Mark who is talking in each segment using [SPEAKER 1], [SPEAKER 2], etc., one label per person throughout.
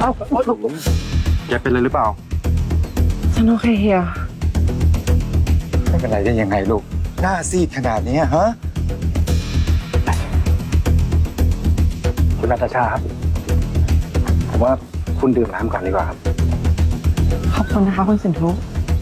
[SPEAKER 1] แกเป็นอะไรหรือเปล่า
[SPEAKER 2] ฉันโอเคเฮีย
[SPEAKER 3] ไม่เป็นไรได้ยังไงลูกหน้าซีดขนาดนี้ฮะ
[SPEAKER 1] คุณนาตาชาครับ ผมว่าคุณดื่มน้ำก่อนดีกว่าครับ
[SPEAKER 2] ขอบคุณนะคะคุณสินทุ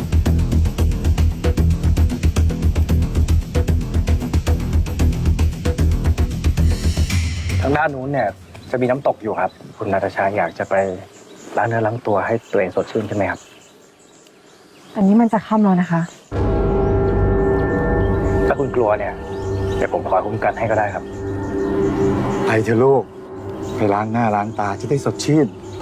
[SPEAKER 1] ทางด้านนู้นเนี่ยจะมีน้ำตกอยู่ครับ คุณนาตาชาอยากจะไปล้างเนื้อล้างตัวให้ตัวเองสดชื่นใช่ไหมครับ
[SPEAKER 2] อันนี้มันจะค่ำแล้วนะคะ
[SPEAKER 1] ถ้าคุณกลัวเนี่ยเดี๋ยวผมคอยคุ้มกันให้ก็ได้ครับ
[SPEAKER 3] ไปเถอะลูกไปล้างหน้าล้างตาจะได้สดชื่นไป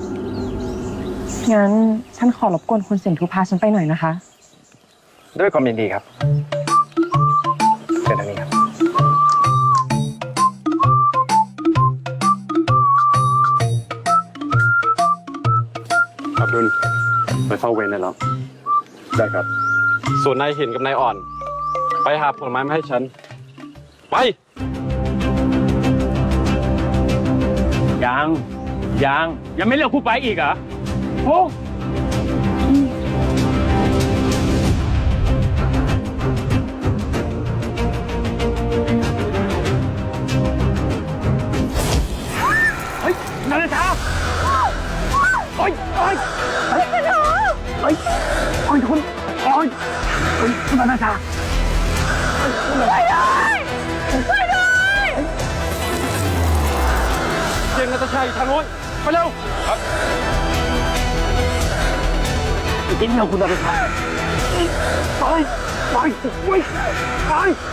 [SPEAKER 2] งั้นฉันขอรบกวนคุณสินทุพาฉันไปหน่อยนะคะ
[SPEAKER 1] ด้วยความยินดีครับเชิญทางนี้ครับ
[SPEAKER 4] อับดุลไปเฝ้าเวรได้แล้ว
[SPEAKER 1] ได้ครับ
[SPEAKER 4] ส่วนนายเห็นกับนายอ่อน ไปหาผลไม้มาให้ฉัน ไป
[SPEAKER 5] ยังไม่เลือกผู้ไปอีกเหรอโอ้เฮ้ยนาฬิกาโอ้ยโอ้ยเฮ้ยโอ้ยโอ้ยคุณโอ้ยเฮ้ยคุณนาฬิกา
[SPEAKER 4] เจงนาตาชัยทางโน้นไปเร็ว
[SPEAKER 5] กินเร็วคุณนาฬิกาไปไปไปไป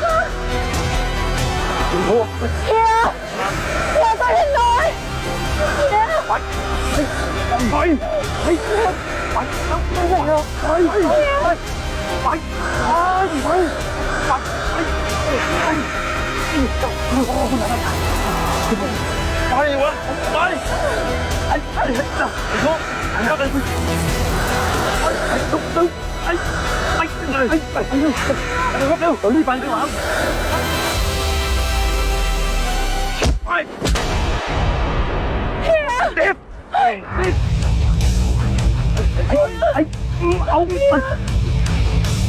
[SPEAKER 5] คุณพ่อ
[SPEAKER 6] เฮียไปฉันหน่อยเฮีย
[SPEAKER 5] ไปไปไปไปไปวะไปไอ้ลูกก็เลยไอ้ตุ๊กตุ๊กไอ้เลยไปเร็วเร็วเร็วรีบไปดีกว่าไปเด็บไอ้เอา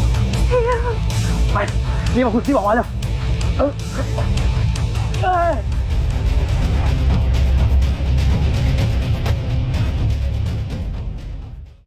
[SPEAKER 5] ไปนี่มาคุณที่บอกว่าเลย